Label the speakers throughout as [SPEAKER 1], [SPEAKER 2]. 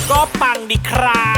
[SPEAKER 1] ก็ปังดีครับ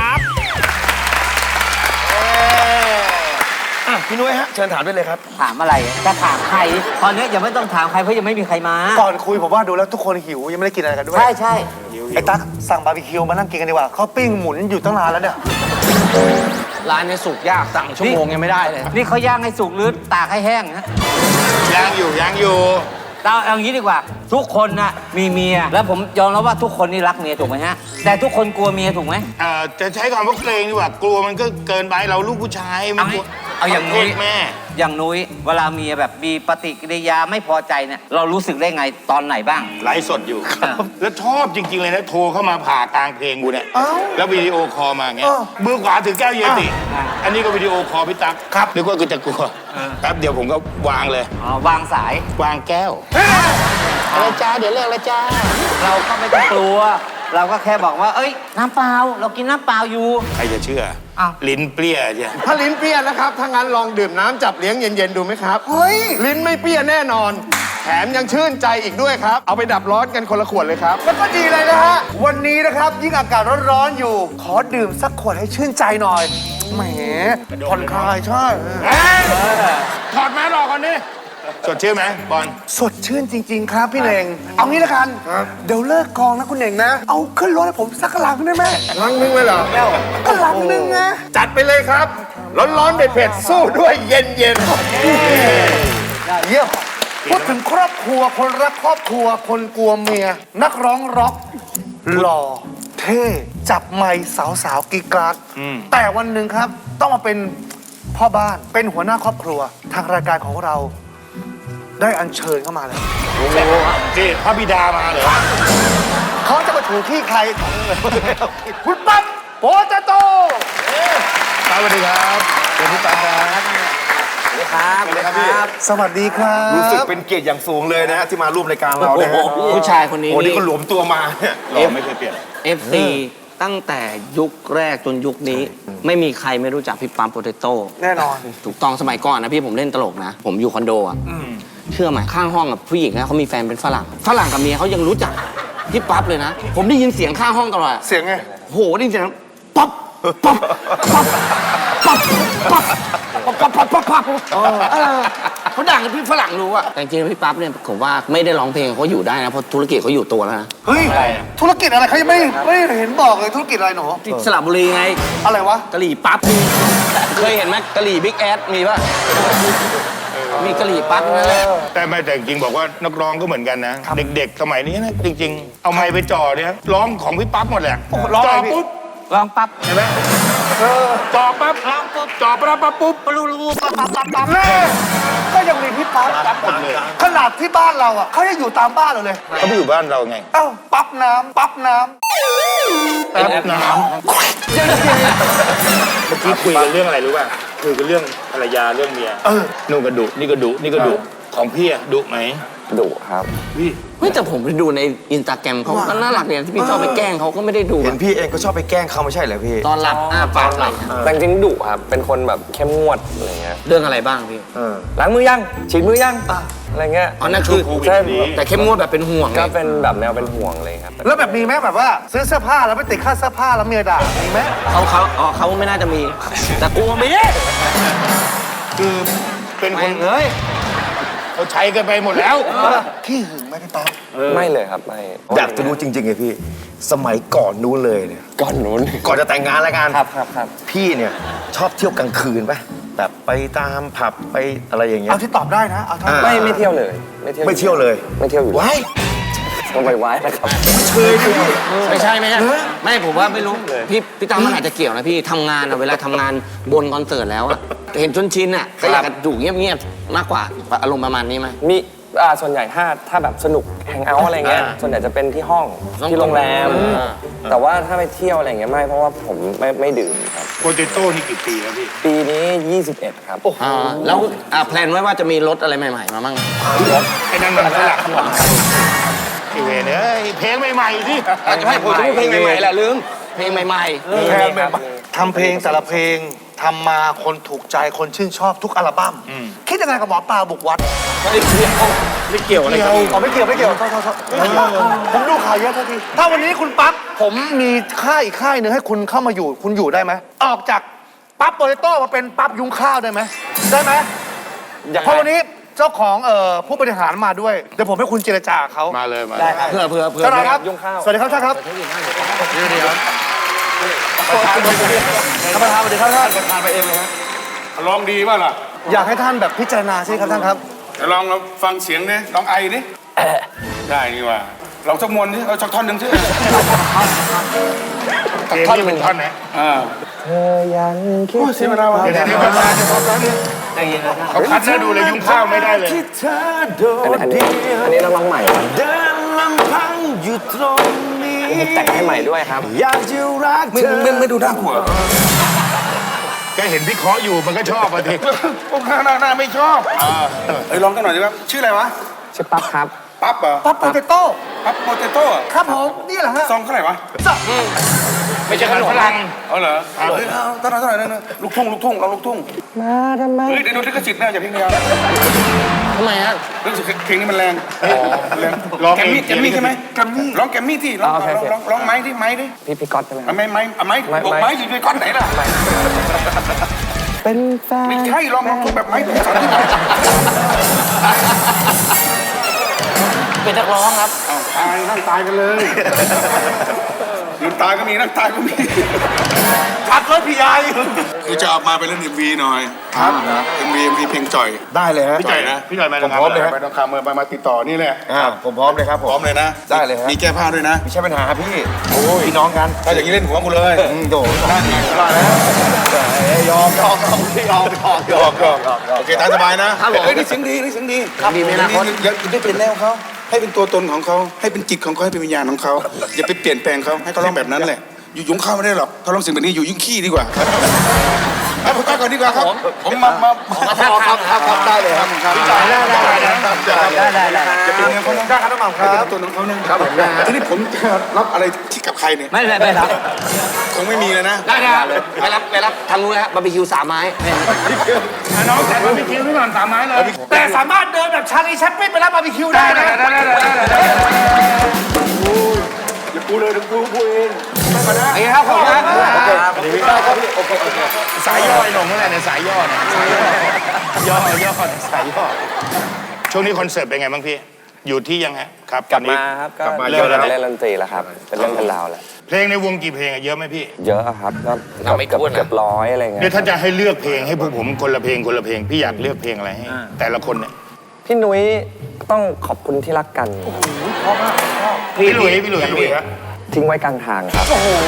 [SPEAKER 2] พี่นุ้ยฮะเชิญถามได้เลยครับ
[SPEAKER 3] ถามอะไรจะถามใครตอนนี้ยังไม่ต้องถามใครเพราะยังไม่มีใครมา
[SPEAKER 2] ก่อนคุยผมว่าดูแล้วทุกคนหิวยังไม่ได้กินอะไรกันด้วย
[SPEAKER 3] ใช่ใช่
[SPEAKER 2] ไอ้ตั๊กสั่งบาร์บีคิวมานั่งกินกันดีกว่าเขาปิ้งหมุนอยู่ตั้งนานแล้วเนี่ย
[SPEAKER 4] ร้านนี้สุกยากสั่งชั่วโมงยังไม่ได้เลย
[SPEAKER 3] นี่เขาย่างให้สุกหรือตากให้แห้งฮะ
[SPEAKER 5] ยังอยู่
[SPEAKER 3] เอาอย่างนี้ดีกว่า ทุกคนน่ะมีเมียแล้วผมยอมรับว่าทุกคนนี่รักเมียถูกไหมฮะแต่ทุกคนกลัวเมียถูกไหม
[SPEAKER 5] จะใช้คำว่าเกรงดีกว่ากลัวมันก็เกินไปเราลูกผู้ชายมันกลัว
[SPEAKER 3] เอาอย่าง
[SPEAKER 5] เพ
[SPEAKER 3] นุ้
[SPEAKER 5] ศ
[SPEAKER 3] ย
[SPEAKER 5] แม่
[SPEAKER 3] อย่างนุ้ยเวลาเมียแบบมีปฏิกิริยาไม่พอใจเนี่ยเรารู้สึกได้ไงตอนไหนบ้าง
[SPEAKER 5] ไลฟ์สดอยู่ แล้วชอบจริง ๆ เลยนะ โทรเข้ามาผ่ากลางเพลงกูเนี่ย แล้ววิดีโอคอลมาอย่างเงี้ยมือขวาถือแก้วเยติ อันนี้ก็วิดีโอคอลพี่ตั๊กครับนึกว่ากูจะกลัวแป๊บเดียวผมก็วางเลย
[SPEAKER 3] วางสาย
[SPEAKER 5] วางแก้วอะไรจ้าเดี๋ยวเลิกแล้วจ้า
[SPEAKER 3] เราก็ไม่ต้องกลัว เราก็แค่บอกว่า เอ้ย น้ำเปล่า เรากินน้ำเปล่าอยู่
[SPEAKER 5] ใครจะเชื่อ
[SPEAKER 3] อ้าว
[SPEAKER 5] ลิ้นเปรี้ยใช่
[SPEAKER 6] ถ้าลิ้นเปรี้ยนะครับ ถ้างั้นลองดื่มน้ำจับเลี้ยงเย็นๆดูไหมครับ
[SPEAKER 2] เฮ้ย
[SPEAKER 6] ลิ้นไม่เปรี้ยแน่นอน แถมยังชื่นใจอีกด้วยครับ เอาไปดับร้อนกันคนละขวดเลยครับ
[SPEAKER 2] แล้วก็ดีเลยนะฮะ วันนี้นะครับยิ่งอากาศร้อนๆอยู่ ขอดื่มสักขวดให้ชื่นใจหน่อย แหมผ่อนคลายใช่
[SPEAKER 5] ถอดแมสออกก่อนดิสดชื่อไหมบอล
[SPEAKER 2] สดชื่นจริง ๆ ครับพี่เน่ง เอางี้ละกัน เดี๋ยวเลิกกองนะคุณเน่งนะ เอาขึ้นรถให้ผมสักลังได้ไหม
[SPEAKER 6] ลังนึงเลยเหรอ
[SPEAKER 2] ก็ลังนึงนะ
[SPEAKER 6] จัดไปเลยครับ ร้อนๆเผ็ดๆสู้ด้วยเย็น
[SPEAKER 2] เยี่ยมพูดถึงครอบครัวคนรักครอบครัวคนกลัวเมีย นักร้องร็อกหล่อเท่จับไมค์สาวๆกรีดกราดแต่วันหนึ่งครับ ต้องมาเป็นพ่อบ้านเป็นหัวหน้าครอบครัว ทางรายการของเรา ได้อัญเชิญเข้ามาแล้ว
[SPEAKER 5] นี่พระบิดามาเหรอ
[SPEAKER 2] เขาจะมาถูที่ใคร คุณปั๊บโปเตโต้
[SPEAKER 5] สวัสดีครับสวัสดีครับ
[SPEAKER 3] ครับ
[SPEAKER 5] สวัสดีครับพี่
[SPEAKER 2] สวัสดีครับ
[SPEAKER 7] รู้สึกเป็นเกียรติอย่างสูงเลยนะฮะที่มาร่วมรายการเราเนี่ยฮะ
[SPEAKER 4] ผู้ชายคนนี้
[SPEAKER 7] โอ้นี่ก็หลวมตัวมาเนี่ย
[SPEAKER 5] เราไม่เคยเปลี่ยน
[SPEAKER 4] FC ตั้งแต่ยุคแรกจนยุคนี้ ไม่มีใครไม่รู้จักพี่ปั๊มโปเตโต้
[SPEAKER 2] แน่นอน
[SPEAKER 4] ถูกต้องสมัยก่อนนะพี่ผมเล่นตลกนะ ผมอยู่คอนโดอ่ะเชื่อไหมข้างห้องกับผู้หญิงนะเขามีแฟนเป็นฝรั่งกับเมียเขายังรู้จักพี่ปั๊บเลยนะ ผมได้ยินเสียงข้างห้องตลอด
[SPEAKER 2] เสียงไง
[SPEAKER 4] โหได้ยินเสียงป๊อปป๊อปป๊อปป๊อปป๊อปป๊อปป๊อปป๊อปป๊อปเขาดังให้พี่ฝรั่งรู้อะแต่จริงๆพี่ปั๊บเนี่ยผมว่าไม่ได้ร้องเพลงเขาอยู่ได้นะเพราะธุรกิจเขาอยู่ตัวแล้วนะ
[SPEAKER 2] เฮ้ย ธุรกิจอะไรเขายังไม่เห็นบอกเลยธุรกิจอะไรหนู
[SPEAKER 4] ที่สระบุรีไง
[SPEAKER 2] อะไรวะ
[SPEAKER 4] กะหรี่ปั๊บเคยเห็นไหมกะหรี่บิ๊กแอดมีป่ะมีกะหรี่ปั๊บนะ
[SPEAKER 5] แต่จริงๆบอกว่านักร้องก็เหมือนกันนะ เด็กๆ สมัยนี้นะจริง ๆ เอาไมค์ไปจ่อเนี่ยร้องของพี่ปั๊บหมดแหละ
[SPEAKER 2] ร้องอะไร
[SPEAKER 5] จ่อ
[SPEAKER 2] พี่
[SPEAKER 5] ปุ๊บ
[SPEAKER 3] ลองปั๊บ
[SPEAKER 5] เห็นไหมจ่อปั๊บจ่อปั๊บปุ๊บ
[SPEAKER 2] แม่ก็ยังมีพี่ปั๊บ
[SPEAKER 5] ปั๊บหมดเลย
[SPEAKER 2] ขนาดที่บ้านเราอ่ะเขายังอยู่ตามบ้านเราเลย
[SPEAKER 5] เขาไปอยู่บ้านเราไง
[SPEAKER 2] เอ้าปั๊บน้ำปั๊บน้
[SPEAKER 5] แป๊บน้ำเมื่อกี้คุยกันเรื่องอะไรรู้ป่ะคุยกันเรื่องภรรยาเรื่องเมียนู่นก็ดุนี่ก็ดุนี่ก็ดุของพี่อะดุไหม
[SPEAKER 7] ดุครับ
[SPEAKER 4] เฮ้ยแต่ผมไปดูในอินสตาแกรมเขาก็น่ารักเนี่ยที่พี่ชอบไปแกล้งเขาก็ไม่ได้ดู
[SPEAKER 7] เห็นพี่เองก็ชอบไปแกล้งเขาไม่ใช่เหรอพี่
[SPEAKER 4] ตอนหลับปากหลับ
[SPEAKER 8] แต่จริงๆดุครับ เป็นคนแบบเข้มงวดอะไรเงี้ย
[SPEAKER 4] เรื่องอะไรบ้างพี่
[SPEAKER 8] ล้างมือยัง ฉีดมือยังอะไรเงี้ย
[SPEAKER 4] อ๋อนั่นคือ
[SPEAKER 8] ใช่
[SPEAKER 4] แต่เข้มงวดแบบเป็นห่วง
[SPEAKER 8] ก็
[SPEAKER 4] ไง
[SPEAKER 8] เป็นแบบแนวเป็นห่วงเลยครับ
[SPEAKER 2] ำแล้วแบบมีไหมแบบว่า ซื้อเสื้อผ้าแล้วไม่ติดค่าเสื้อผ้าแล้วเมียด่ามีไหม
[SPEAKER 4] เขาไม่น่าจะมี แต่กูมี
[SPEAKER 5] คือเป็นคน
[SPEAKER 4] เฮ้ย
[SPEAKER 5] เขาใช้กันไปหมดแล้ว
[SPEAKER 2] ขี้หึงไหมพี่ปั๊บ
[SPEAKER 8] ไม่เลยครับ ไม่
[SPEAKER 7] อยากจะรู้จริงๆไงพี่ สมัยก่อนนู้นเลยเนี่ย
[SPEAKER 8] ก่อนนู้น
[SPEAKER 7] ก่อนจะแต่งงานแล้วกัน
[SPEAKER 8] ครับ
[SPEAKER 7] พี่เนี่ยชอบเที่ยวกลางคืนป่ะแบบไปตามผับไปอะไรอย่างเงี้ย
[SPEAKER 2] เอาที่ตอบได้นะ เอาเท่า
[SPEAKER 8] ไม่เที่ยวเลย
[SPEAKER 7] ไม่เที่ยวเลย
[SPEAKER 8] ไม่เที่ยวอยู่
[SPEAKER 7] ว้าย
[SPEAKER 8] ต้องไปไว้นะครับ
[SPEAKER 4] ไม่ใช่ไม่ผมว่าไม่รู้พี่ตั้มมันอาจจะเกี่ยวนะพี่ทำงานอะเวลาทำงานบนคอนเสิร์ตแล้วอะเห็นจนชินอะก็อยากจะอยู่เงียบๆมากกว่าอารมณ์ประมาณนี้ไหม
[SPEAKER 8] มีส่วนใหญ่ถ้าแบบสนุกแฮงเอาท์อะไรเงี้ย ส่วนใหญ่จะเป็นที่ห้อง
[SPEAKER 4] ห้อง
[SPEAKER 8] ที่โรงแรม
[SPEAKER 4] อ่า
[SPEAKER 8] แต่ว่าถ้าไปเที่ยวอะไรเงี้ยไม่ เพราะว่าผมไม่ดื่มครับ
[SPEAKER 5] โปเตโต้นี่กี่ปีแล้วพี่
[SPEAKER 8] ปีนี้ 21 ครับ
[SPEAKER 4] แล้วแพลนไว้ว่าจะมีรถอะไรใหม่ๆมาบ้าง
[SPEAKER 5] ไอ้นั่นมันฝรั่งไอ้เวรเอ้ยเพลงใหม่ๆสิ
[SPEAKER 4] จะให้ผมจะพูดเพลงใหม่ๆแหละลืมเพลงใหม่
[SPEAKER 2] แทนแบบทำเพลงแต่ละเพลงทำมาคนถูกใจคนชื่นชอบทุกอัลบั้มคิดยังไงกับหมอปลาบุกวัด
[SPEAKER 7] ไม่เกี่ยวอะไรกัน
[SPEAKER 2] อ๋อไม่เกี่ยวโทษผมดูข่าวเยอะเท่าทีถ้าวันนี้คุณปั๊บผมมีค่ายอีกค่ายหนึ่งให้คุณเข้ามาอยู่คุณอยู่ได้ไหมออกจากปั๊บโปเตโต้มาเป็นปั๊บยุ้งข้าวได้ไหมได้ไหมเพราะวันนี้เจ้าของผู้บริหารมาด้วยเดี๋ยวผมให้คุณเจรจากับเขา
[SPEAKER 5] มาเลยมา
[SPEAKER 8] ได้
[SPEAKER 5] เลย
[SPEAKER 8] ครับ
[SPEAKER 4] ๆ เพื่อ
[SPEAKER 2] เจ้านายครับ
[SPEAKER 8] ยุ่งข้าว
[SPEAKER 2] สวัสดีครับท่านครับ
[SPEAKER 5] เดี๋ยว
[SPEAKER 2] ท่านประธานสวัสดีครับท่าน
[SPEAKER 5] ประธานไปเองเลยฮะร้องดีป่ะล่ะ
[SPEAKER 2] อยากให้ท่านแบบพิจารณาใช่ครับท่านครับ
[SPEAKER 5] เดี๋ยวลองเราฟังเสียงดิลองไอดิได้นี่ว่าลองสักมวนดิเอาสักท่อนหนึ่งสิท่อนนี้เป็นท่อนไหน
[SPEAKER 8] เธอยังคิด
[SPEAKER 5] เสียเวลาเดี๋ยวประธานจะบอกแล้วนี่เขาคัดหน้าดูเลยยุ่งข้าวไม่ได้เลย
[SPEAKER 8] อันนี้นักร้องใหม่ครับ
[SPEAKER 7] เดินลำพังอยู่ตรงนี้
[SPEAKER 8] อันนี้แต่งให้ใหม่ด้วยครับ
[SPEAKER 7] อยากจะรักเธอ
[SPEAKER 5] ไม่ดูน่ากลัวแกเห็นพี่เคาะอยู่มันก็ชอบอ่ะทีพวกหน้าไม่ชอบเอ้ยลองกันหน่อยดิครับชื่ออะไรวะ
[SPEAKER 8] ชื่อปั๊บครับ
[SPEAKER 5] ปั๊บเหรอ
[SPEAKER 2] ปั๊บโปเตโต้
[SPEAKER 5] ปั๊บโปเตโต้
[SPEAKER 2] ครับผมนี่แหละฮะ
[SPEAKER 5] ซองเท่าไหร่วะ ไม่ใช่ขนมฝรั่งอ๋อเหรอเฮ้ยเท่าไหร่นั่นลูกทุ่งลองลูกทุ่ง
[SPEAKER 8] มาทำไม
[SPEAKER 5] เฮ้ยเดี๋ยวดูลิขสิทธิ์แน่จากเพลงเดียว
[SPEAKER 4] ทำไมฮะ
[SPEAKER 5] เรื่องเพลงนี้มันแรงร้องแกมมี่ใช่ไหมแกมมี่ร้องแกมมี่ที่ร้องไม้ที่ไม้ดิ
[SPEAKER 8] พี่ก๊อตใช่ไหมครับ
[SPEAKER 5] ไม้บอกไม้ที่ไปก้อนไหนล่ะ
[SPEAKER 8] เป็นแฟน
[SPEAKER 5] ไม่ใช่ร้องแบบไม้ที่สอนที่ไหน
[SPEAKER 4] เป็นนักร้องครับ
[SPEAKER 5] ตายนั่งตายกันเลยยืนตายก็มีนั่งตายก็มี
[SPEAKER 2] ขับรถพี่ใหญ่
[SPEAKER 5] คือจะออกมาเป็นเรื่อง MV หน่อยครับ MV เพลงจ่อย
[SPEAKER 7] ได้เลยฮะ
[SPEAKER 5] พี่จ่อยนะพี่จ่อยมา
[SPEAKER 7] ผมพร้อมเลยครับ
[SPEAKER 5] ไปต้องคำมาติดต่อนี่แหละ
[SPEAKER 7] ผมพร้อมเลยครับผ
[SPEAKER 5] พร้อ
[SPEAKER 7] ม
[SPEAKER 5] มเลยนะ
[SPEAKER 7] ได้เลยฮะ
[SPEAKER 5] มีแก้ผ้าด้วยนะ
[SPEAKER 7] ไม่ใช่ปัญหาพี่พี่น้องกัน
[SPEAKER 5] ถ้าอย่างนี้เล่นหัวกูเลย
[SPEAKER 7] โดด
[SPEAKER 5] นั่นไงว่าแล้ว
[SPEAKER 7] ยอม
[SPEAKER 5] โอเคตามสบายนะเฮ้ยนี่เสียงดีนี่เสียงดี
[SPEAKER 4] ครับดีไหมนะ
[SPEAKER 5] อย่าไปเปลี่ยนแนวเขาให้เป็นตัวตนของเขาให้เป็นจิตของเขาให้เป็นวิญญาณของเขาอย่าไปเปลี่ยนแปลงเขาให้เขาร้องแบบนั้นแหละอยู่ยุ้งข้าวไม่ได้หรอกเขาร้องเสียงแบบนี้อยู่ยุ่งขี้ดีกว่าเอาผมตั้งก่อนดีกว่าครับผมมา
[SPEAKER 2] ครับได้เลยครับ
[SPEAKER 5] พี่จ่ายได้
[SPEAKER 2] ได้
[SPEAKER 5] จะเป็นเงินเขาได้ครับน้ำมันครับตัวของเขาเนี่ยครับผมทีนี้ผมจะรับอะไรที่กับใครเนี่ย
[SPEAKER 3] ไม่รับ
[SPEAKER 5] คงไม่มีเลยนะ
[SPEAKER 4] ได้ไปรับทางนู้นนะฮะบาร์บีคิว3 ไม้
[SPEAKER 5] น้องแต่บาร์บีคิวนี่ก่อน3 ไม้เลย
[SPEAKER 2] แต่สามารถเดินแบบชาลีแชปปิ้นไปรับบาร์บีคิวได้นะ
[SPEAKER 5] เดี๋ยวกูเลยเดี๋ยวกูเอง
[SPEAKER 4] ไอ้ครับผมครับ
[SPEAKER 5] สายย่อยหนุ่มนั่นแหละเนี่ยสายย่อเนี่ยย่อสายย่อช่วงนี้คอนเสิร์ตเป็นไงบ้างพี่อยู่ที่ยังฮะครับ
[SPEAKER 8] กลับมาครับก็
[SPEAKER 5] เริ่มแล้ว
[SPEAKER 8] เล่นดนตรีแล้วครับ เป็นเรื่องเป็นราวแล้ว
[SPEAKER 5] เพลงในวงกี่เพลงอะเยอะไหมพี่
[SPEAKER 8] เยอะครับก็เกือบร้อยอะไรเงี้ย
[SPEAKER 5] เดี๋ยวถ้าจะให้เลือกเพลงให้พวกผมคนละเพลงพี่อยากเลือกเพลงอะไรให้แต่ละคนเนี่ย
[SPEAKER 8] พี่นุ้ยต้องขอบคุณที่รักกัน
[SPEAKER 5] พี่หลุยครับ
[SPEAKER 8] ทิ้งไว้กลางทางครับ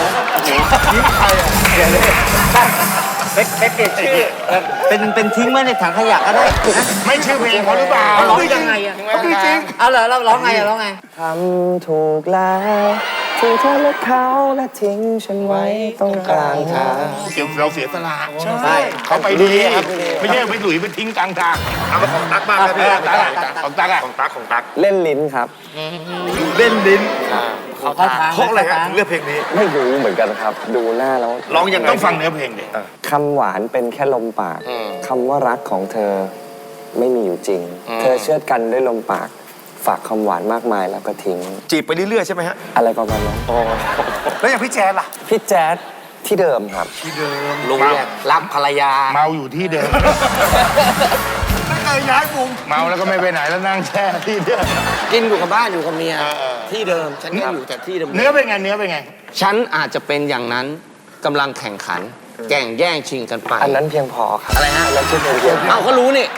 [SPEAKER 3] เป็นทิ้งไว้ในถังขยะก็ได้นะ
[SPEAKER 5] ไม่ชื่อเพลงเขาหรือเปล่า
[SPEAKER 3] ร้องยังไงอ่ะ
[SPEAKER 2] จริง
[SPEAKER 3] เอาเหรอเราร้องไงร้องไง
[SPEAKER 8] ทำถูกแล้วที่เธอเลือกเขาและทิ้งฉันไว้ตรงกลางทาง
[SPEAKER 5] เราเสียสละ
[SPEAKER 3] ใช่
[SPEAKER 5] เขาไปดีไม่ใช่ไปหลุยไปทิ้งกลางทาง
[SPEAKER 7] เอามาของตักบ้างนะพี่
[SPEAKER 5] ของตักอะ
[SPEAKER 7] ของตัก
[SPEAKER 8] เล่นลิ้นครับ
[SPEAKER 7] เล่นลิ้น
[SPEAKER 3] เขาเข้าทาง
[SPEAKER 7] เพราะอะไรฮะถึงเลือกเพลงนี้
[SPEAKER 8] ไม่รู้เหมือนกันครับ ดูหน้าแล้ว
[SPEAKER 7] ร้องยังไง
[SPEAKER 5] ต้องฟังเนื้อเพลงดิ
[SPEAKER 8] คำหวานเป็นแค่ลมปากคำว่ารักของเธอไม่มีอยู่จริง เธอเชื่อดกันด้วยลมปาก ฝากคำหวานมากมายแล้วก็ทิ้ง
[SPEAKER 7] จีบไปเรื่อยๆใช่ไหมฮะ
[SPEAKER 8] อะไรประมาณนั้น
[SPEAKER 2] แล้วอย่างพี่แจ๊ดล่ะ
[SPEAKER 8] พี่แจ๊ดที่เดิมครับ
[SPEAKER 4] ลุงเนี่ยรักภรรยา
[SPEAKER 5] เมาอยู่ที่เดิม
[SPEAKER 2] ไม่เคยย้ายมุม
[SPEAKER 5] เมาแล้วก็ไม่ไปไหนแล้วนั่งแช่ที่เดิม
[SPEAKER 4] กินอยู่กับบ้านอยู่กับเมียที่เดิม ฉันก็อยู่แต่ที่เดิม
[SPEAKER 5] เนื้อเป็นไง
[SPEAKER 4] ฉันอาจจะเป็นอย่างนั้นกำลังแข่งขัน แก่งแย่งชิงกันไป
[SPEAKER 8] อันนั้นเพียงพอครับ
[SPEAKER 4] อะไรฮะ
[SPEAKER 8] อันนั้นชื่อเพลงเพียงพอ
[SPEAKER 4] เอ้าก็รู้นี่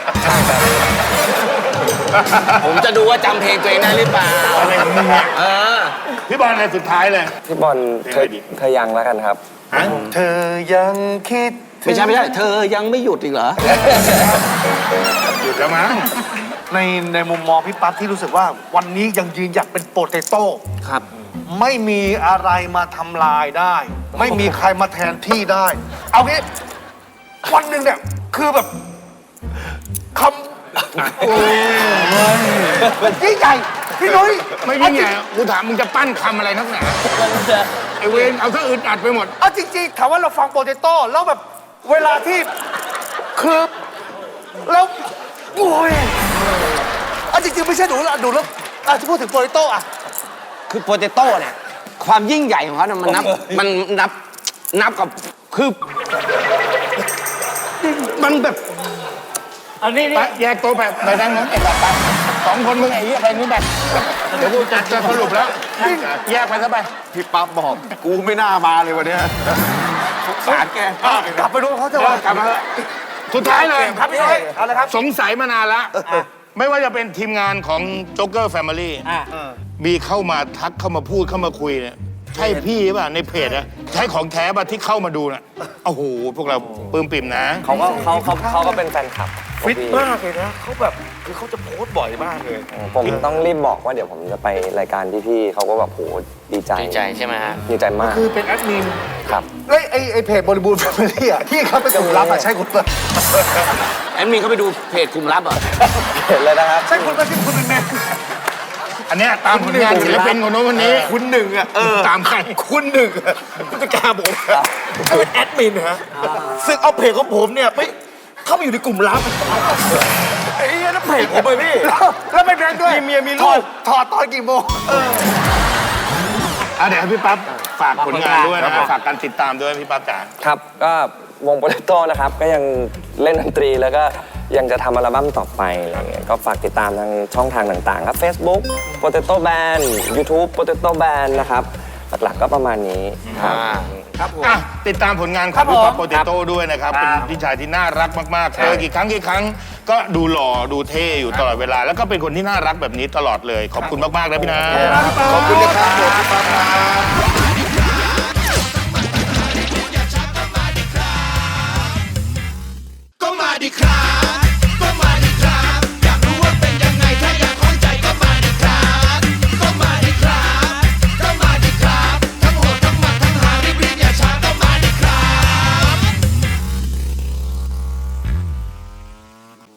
[SPEAKER 4] ผมจะดูว่าจำเพลงตัวเองได้หรือเปล่า
[SPEAKER 5] อะไรของมึงเนี่ย
[SPEAKER 4] เออ
[SPEAKER 5] พี่บอลอะไรสุดท้ายเลย
[SPEAKER 8] พี่บอลเธอยังแล้วกันครับ
[SPEAKER 2] เธอยังคิด
[SPEAKER 4] ไม่ใช่ เธอยังไม่หยุดอีกเหรอ
[SPEAKER 5] หยุดแล้วมั้ง
[SPEAKER 2] ในมุมมองพี่ปั๊บที่รู้สึกว่าวันนี้ยังยืนหยัดเป็นโปเตโต้
[SPEAKER 4] ครับ
[SPEAKER 2] ไม่มีอะไรมาทำลายได้ ไม่มีใครมาแทนที่ได้ เอางี้วันหนึ่งเนี่ยคือแบบคำโอ้ยยิ่งใหญ่พี่นุ้ย
[SPEAKER 5] ไม่ยิ่งใหญ่กูถามมึงจะปั้นคำอะไรนักหนาไอเวนเอาซะอึดอัดไปหมด
[SPEAKER 2] เอาจริงๆถามว่าเราฟังโปเตโต้แล้วแบบเวลาที่คือแล้วโอ้ยเอาจริงๆไม่ใช่ดูแล้วอาจจะพูดถึงโปเตโต้อะ
[SPEAKER 4] คือโปเตโต้เนี่ยความยิ่งใหญ่ของเขาเนี่ยมันนับกับคือมันแบบ
[SPEAKER 3] อันนี้
[SPEAKER 5] ไปแยกโต๊ะไปนั่งนั้นไอ้แบบไปสองคนมึงไอ้เหี้ยไปนู้นไปเดี๋ยวกูจะสรุปแล้ว แยกไปซะไป
[SPEAKER 6] พี่ปั๊บบอกกูไม่น่ามาเลยวันเนี้ยสงสารแก
[SPEAKER 2] กลับไปดูเขาจะว่าก
[SPEAKER 5] ลับมาเถอะสุดท้ายเลย
[SPEAKER 2] ครับพี่น้อยเอาเลยครับ
[SPEAKER 5] สงสัยมานานแล้ว ไม่ว่าจะเป็นทีมงานของโจ๊กเกอร์แฟมิลี่มีเข้ามาทักเข้ามาพูดเข้ามาคุยเนี่ยใช่พี่ป่ะในเพจอะใช่ของแท้ป่ะที่เข้ามาดูน่ะโอ้โหพวกเราปลื้มปิ่มนะ
[SPEAKER 8] เขาก็เป็นแฟนคลับ
[SPEAKER 7] ฟิตมากเลยนะเขาแบบคือเขาจะโพสต์บ่อยมากเลย
[SPEAKER 8] ผมต้องรีบบอกว่าเดี๋ยวผมจะไปรายการพี่ๆเขาก็แบบโหดีใจ
[SPEAKER 4] ดีใจใช่ไหมฮะ
[SPEAKER 8] ดีใจมาก
[SPEAKER 2] คือเป็นแอดมิน
[SPEAKER 8] ครับ
[SPEAKER 2] แล้วไอ้เพจบริบูรณ์แฟมิลี่อะที่เขาไปกลุ่มลับอะใช่คุณปะ
[SPEAKER 4] แอดมินเขาไปดูเพจคุมลับเหรอ
[SPEAKER 8] เห็นเลยนะครับ
[SPEAKER 2] ใช่คุณปะที่คุณเป็นแม่
[SPEAKER 5] อันเนี้ยตามผลงานศิลปินคนโน้นคนนี้
[SPEAKER 7] คุณหนึ่งอ่ะ
[SPEAKER 5] ตามใคร
[SPEAKER 7] คุณหนึ่งอะผู้จัดการผมเขาเป็นแอดมินฮะซึ่งเอาเพจของผมเนี่ยไปเข้าไปอยู่ในกลุ่มลับไอ้เนี่ยนั่นเพจผมเลยพี่
[SPEAKER 2] แล้วเป็นแบงค์ด้วย
[SPEAKER 7] มีเมียมีลูก
[SPEAKER 2] ถอดตอนกี่โมง
[SPEAKER 5] เดี๋ยวให้พี่ปั๊บฝากผลงานด้วยนะครับฝากการติดตามด้วยพี่ปั๊บจ๋า
[SPEAKER 8] ครับ ก็วงโปเตโต้นะครับ ก็ยังเล่นดนตรีแล้วก็ยังจะทำอัลบั้มต่อไปอะไรเงี้ยก็ฝากติดตามทางช่องทางต่างๆ ครับ Facebook Potato Band YouTube Potato Band นะครับ หลักๆก็ประมาณนี้ครับ
[SPEAKER 5] ติดตามผลงานของพี่ปั๊บโปเตโต้ด้วยนะครับ เป็นพี่ชายที่น่ารักมากๆเจอกี่ครั้งก็ดูหล่อดูเท่อยู่ตลอดเวลา แล้วก็เป็นคนที่น่ารักแบบนี้ตลอดเลย ขอบคุณมากๆนะพี่นะ
[SPEAKER 6] ขอบคุณนะครับ